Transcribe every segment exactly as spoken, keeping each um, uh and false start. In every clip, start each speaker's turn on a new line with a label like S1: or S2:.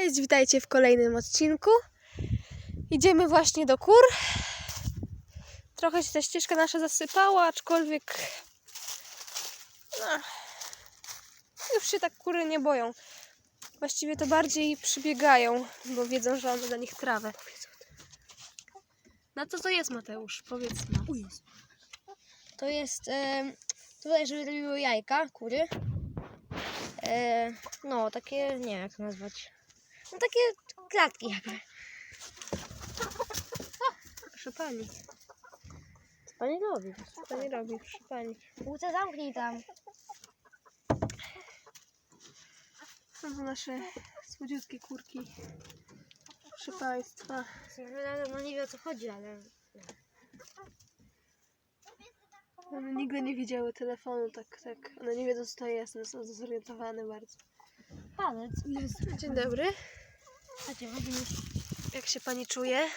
S1: Cześć, witajcie w kolejnym odcinku. Idziemy właśnie do kur. Trochę się ta ścieżka nasza zasypała, aczkolwiek no, już się tak kury nie boją. Właściwie to bardziej przybiegają, bo wiedzą, że mamy dla nich trawę. Na co to jest, Mateusz? Powiedz nam.
S2: To jest e, tutaj, żeby robiły jajka, kury. E, no, takie, nie wiem jak to nazwać. No takie klatki jakby.
S1: Proszę pani.
S2: Co pani robi?
S1: Co pani robi? Proszę pani.
S2: Łuce, zamknij tam.
S1: To są nasze słodziutkie kurki. Proszę państwa.
S2: No nie wiem o co chodzi, ale...
S1: One nigdy nie widziały telefonu, tak, tak. One nie wiedzą, co to jest, one są zorientowane bardzo.
S2: Palec jest.
S1: Dzień dobry.
S2: Chodźcie, chodzimy.
S1: Jak się pani czuje?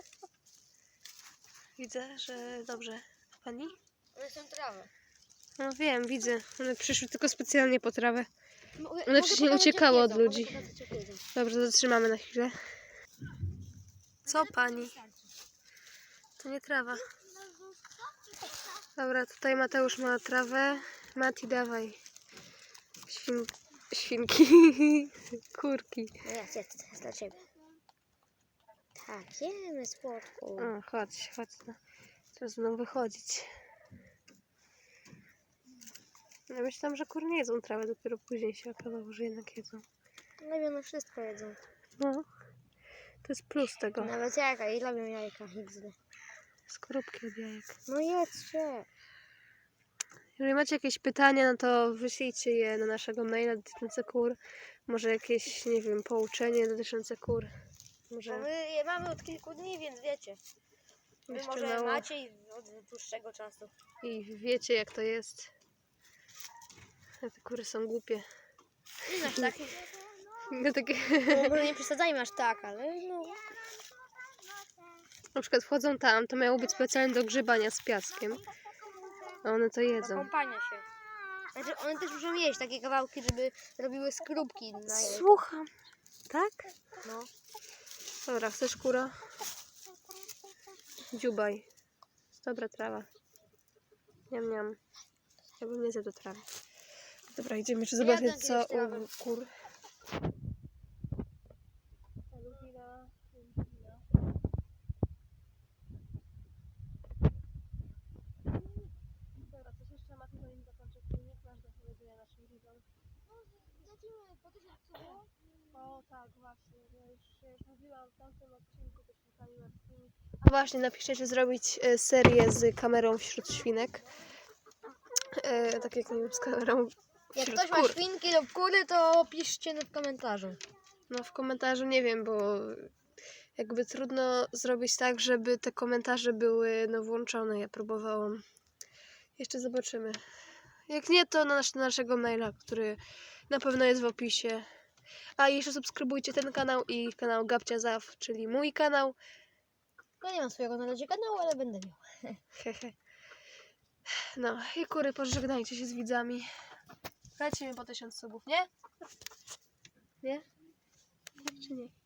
S1: Widzę, że dobrze. A pani?
S2: One są trawy.
S1: No wiem, widzę. One przyszły tylko specjalnie po trawę.
S2: Mogę
S1: One wcześniej
S2: pokazać, jak
S1: uciekały od
S2: jedzą,
S1: ludzi.
S2: mogę pokazać, jak jedzą.
S1: Dobrze, zatrzymamy na chwilę. Co pani? To nie trawa. Dobra, tutaj Mateusz ma trawę. Mati, dawaj. Świn... Świnki. Kurki.
S2: No jest, jest, to jest dla ciebie. Tak, jemy słodko.
S1: O, chodź, chodź. No. Teraz będą wychodzić. Ja myślałam, że kury nie jedzą trawy, dopiero później się okazało, że jednak jedzą.
S2: No wiem, no wszystko jedzą.
S1: No, to jest plus tego.
S2: Nawet jajka, i robią jajka, X D.
S1: Skorupki od jajek.
S2: No jedzcie.
S1: Jeżeli macie jakieś pytania, no to wyślijcie je na naszego maila dotyczące kur. Może jakieś, nie wiem, pouczenie dotyczące kur.
S2: Bo
S1: Może
S2: my je mamy od kilku dni, więc wiecie. Wy
S1: jeszcze
S2: może
S1: mało.
S2: macie i od dłuższego czasu.
S1: I wiecie, jak to jest. A te kury są głupie.
S2: Nie aż tak.
S1: No, takie...
S2: No, może nie przesadzajmy aż tak, ale no.
S1: Na przykład wchodzą tam, to miało być specjalnie do grzebania z piaskiem. A one to
S2: Do
S1: jedzą.
S2: kąpania się. Znaczy one też muszą jeść takie kawałki, żeby robiły skorupki na jajka.
S1: Słucham. Tak?
S2: No.
S1: Dobra, chcesz kura? Dziubaj. Jest dobra trawa. Niam, niam. Ja bym nie zjadł trawy. Dobra, idziemy jeszcze zobaczyć,
S2: Jadłem
S1: co
S2: kiedyś trawę.
S1: u kur. Dobra, coś jeszcze ma tutaj zanim zakończę filmik, masz do powiedzenia naszym widzom.
S2: Lecimy po tysiącu.
S1: O tak, właśnie. Ja już, ja już mówiłam w tamtym odcinku, też pytali Martini. A właśnie, napiszcie, czy zrobić e, serię z kamerą wśród świnek. E, tak jak nie wiem, z kamerą
S2: Jak
S1: wśród
S2: ktoś ma
S1: kur.
S2: świnki lub kury, to piszcie w komentarzu.
S1: No w komentarzu nie wiem, bo jakby trudno zrobić tak, żeby te komentarze były no włączone. Ja próbowałam. Jeszcze zobaczymy. Jak nie, to na, nasz, na naszego maila, który na pewno jest w opisie. A i jeszcze subskrybujcie ten kanał i kanał Gabcia Zaw, czyli mój kanał.
S2: Ja nie mam swojego na razie kanału, ale będę miał.
S1: Hehe. No i kury, pożegnajcie się z widzami. Lecimy po tysiąc subów, nie? Nie? Czy nie?